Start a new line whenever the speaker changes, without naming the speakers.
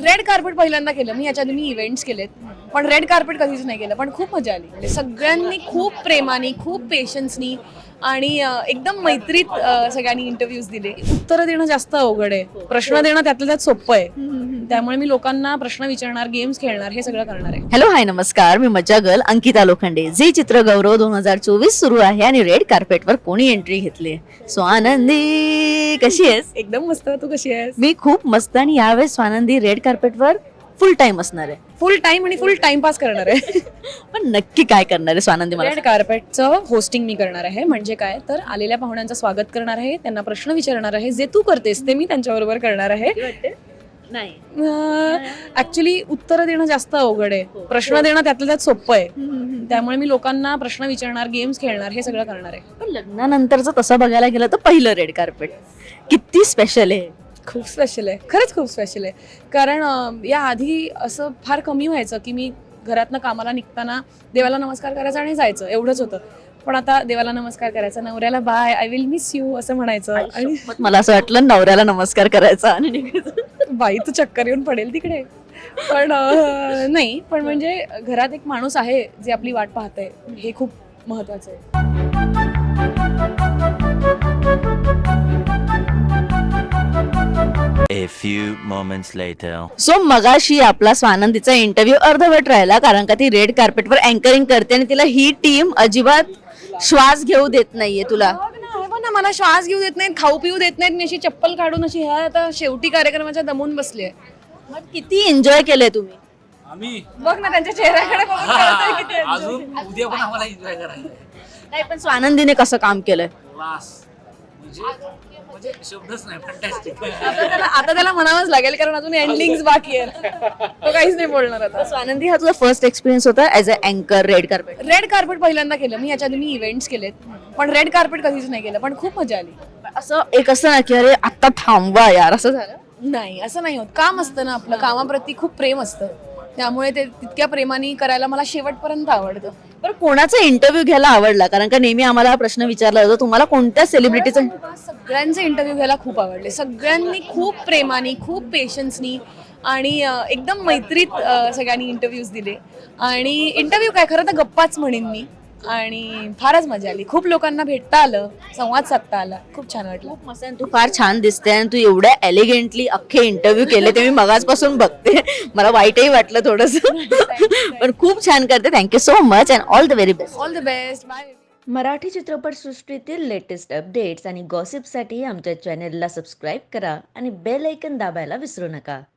Red carpet पहिल्यांदा केलं मी. याच्या आधी मी इव्हेंट्स केलेत, पण रेड कार्पेट कधीच नाही केलं. पण खूप मजा आली. म्हणजे सगळ्यांनी खूप प्रेमाने, खूप पेशन्सनी आणि एकदम मैत्रीत सगळ्यांनी इंटरव्ह्यूज दिले. उत्तरं देणं जास्त अवघड आहे, प्रश्न देणं त्यातल्या त्यात सोपं आहे. त्यामुळे मी लोकांना प्रश्न विचारणार, गेम्स खेळणार, हे सगळं करणार आहे.
हॅलो हाय नमस्कार, मी मज्जा गर्ल अंकिता लोखंडे. झी चित्र गौरव 2024 सुरू आहे आणि रेड कार्पेटवर कोणी एंट्री घेतली? स्वानंदी, कशी आहेस?
एकदम मस्त. तू कशी आहेस?
मी खूप मस्त. आणि यावेळेस स्वानंदी रेड कार्पेटवर फुल टाइम असणार आहे.
फुल टाइम आणि फुल टाइमपास करणार आहे.
पण नक्की काय करणार आहे स्वानंदी मला
रेड कार्पेटचं होस्टिंग मी करणार आहे. म्हणजे काय तर आलेल्या पाहुण्यांचं स्वागत करणार आहे, त्यांना प्रश्न विचारणार आहे. जे तू करतेस ते मी त्यांच्याबरोबर करणार आहे.
नाही.
ऍक्च्युली उत्तरं देणं जास्त अवघड आहे, प्रश्न देणं त्यातल्या त्यात सोपं आहे. त्यामुळे मी लोकांना प्रश्न विचारणार, गेम्स खेळणार, हे सगळं करणार आहे.
पण लग्नानंतरचं तसं बघायला गेलं तर पहिलं रेड कार्पेट किती स्पेशल आहे.
खूप स्पेशल आहे, खरंच खूप स्पेशल आहे. कारण या आधी असं फार कमी व्हायचं की मी घरातनं कामाला निघताना देवाला नमस्कार करायचा आणि जायचं, एवढंच होतं. पण आता देवाला नमस्कार करायचा, नवऱ्याला bye, I will miss you असं म्हणायचं. आणि
मला असं वाटलं नवऱ्याला नमस्कार करायचा आणि निघायचं.
बाई तू चक्कर येऊन पडेल तिकडे. पण नाही, पण म्हणजे घरात एक माणूस आहे जे आपली वाट पाहतंय, हे खूप महत्वाचं आहे.
A few moments later.
So मगाशी आपला स्वानंदीचा इंटरव्ह्यू अर्धवट राहिला, कारण का ती रेड कार्पेटवर अँकरिंग करते आणि तिला ही टीम अजिबात श्वास घेऊ देत नाहीये. तुला
हो ना, मला श्वास घेऊ देत नाहीत, खाऊ पिऊ देत नाहीत. मी अशी चप्पल काढून अशी ह्या आता शेवटी कार्यक्रमाच्या दमून बसली आहे.
मग किती एन्जॉय केलंय तुम्ही?
आम्ही
बघ ना त्यांच्या चेहऱ्याकडे बघून कळतंय किती enjoy.
अजून उद्या पण आम्हाला एन्जॉय करायचं
नाही, पण स्वानंदीने कसं काम केलंय?
क्लास म्हणजे शब्दच नाही. फंटॅस्टिक.
आता त्याला म्हणावंच लागेल, कारण अजून एंडिंग बाकी आहे. तो काहीच नाही बोलणार आता.
स्वानंदी, हा तुझा फर्स्ट एक्सपिरियन्स होता ऍज अ अँकर रेड कार्पेट?
रेड कार्पेट पहिल्यांदा केलं मी. याच्या आधी मी इव्हेंट्स केलेत, पण रेड कार्पेट कधीच नाही केलं. पण खूप मजा आली.
असं एक असतं ना की अरे आता थांबवा यार, असं झालं?
नाही, असं नाही होत. काम असतं ना आपलं, कामाप्रती खूप प्रेम असतं. त्यामुळे ते तितक्या प्रेमाने करायला मला शेवटपर्यंत आवडतं.
पण कोणाचा इंटरव्ह्यू घ्यायला आवडला? कारण का नेहमी आम्हाला हा प्रश्न विचारला जातो, तुम्हाला कोणत्या सेलिब्रिटीचा?
सगळ्यांचे इंटरव्ह्यू घ्यायला खूप आवडले. सगळ्यांनी खूप प्रेमाने, खूप पेशन्सनी आणि एकदम मैत्रीत सगळ्यांनी इंटरव्ह्यूज दिले. आणि इंटरव्ह्यू काय, खरं तर गप्पाच म्हणेन मी. आणि फारच मजा आली. खूप लोकांना भेटता आलं, संवाद साधता आला. खूप छान वाटलं.
मस्त. तू फार छान दिसते आणि तू एवढ्या एलिगेंटली अख्खे इंटरव्ह्यू केले ते मी मगाचपासून बघते. मला वाईटही वाटलं थोडस, पण खूप छान करते. Thank you so much and all the very best.
All the best. Bye.
Marathi चित्रपटसृष्टीतील लेटेस्ट अपडेट्स आणि गॉसिपसाठी आमच्या चॅनेलला सबस्क्राईब करा आणि बेल ऐकन दाबायला विसरू नका.